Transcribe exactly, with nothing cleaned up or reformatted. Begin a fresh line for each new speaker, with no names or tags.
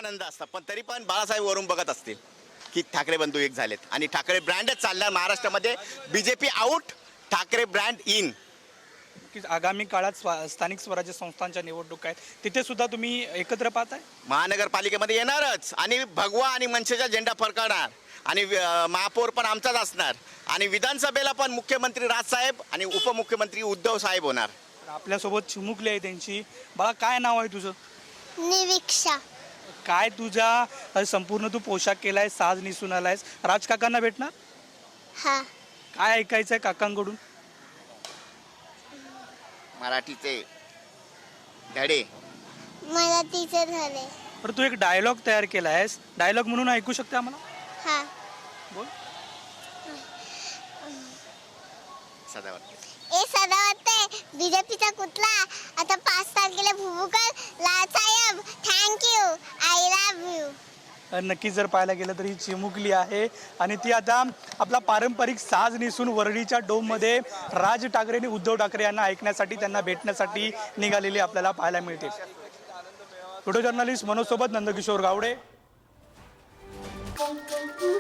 आनंद असता, पण तरी पण बाळासाहेब वरून बघत असतील की ठाकरे बंधू एक झालेत आणि ठाकरे ब्रँडच चालणार महाराष्ट्रामध्ये. BJP out, Thackeray brand in.
की आगामी काळात स्वा स्थानिक स्वराज्य संस्थांच्या निवडणूक आहेत, तिथे सुद्धा तुम्ही एकत्र पाहताय?
महानगरपालिकेमध्ये येणारच आणि भगवा आणि मनसेचा झेंडा फडकवणार आणि अं, महापौर पण आमचाच असणार आणि विधानसभेला पण मुख्यमंत्री राजसाहेब आणि उपमुख्यमंत्री उद्धव साहेब होणार.
आपल्यासोबत चिमुकली आहे त्यांची. बाळा, काय नाव आहे तुझं?
निरीक्षा.
काय तुझ्या संपूर्ण तू पोशाख केलाय, साज नेसून आलायस, राजकाकांना भेटणार?
हा.
काय ऐकायचंय काकांकडून?
मराठीचे धडे.
मला टीचर झाले.
तर तू एक डायलॉग तयार केला आहेस, डायलॉग म्हणून ऐकू शकते आम्हाला?
हा.
बोल.
सदावर
ए सदा वाटते बीजेपीचा कुठला आता पाच तारखेला भुबुकर लाल साहेब थँक्यू आय लव्ह यू.
नक्की जर पाहायला गेलं तर ही चिमुकली आहे आणि ती आता आपला पारंपरिक साज नेसून वरळीच्या डोममध्ये राज ठाकरे आणि उद्धव ठाकरे यांना ऐकण्यासाठी, त्यांना भेटण्यासाठी निघालेली आपल्याला पाहायला मिळते. व्हिडिओ जर्नलिस्ट मनोज सोबत नंदकिशोर गावडे.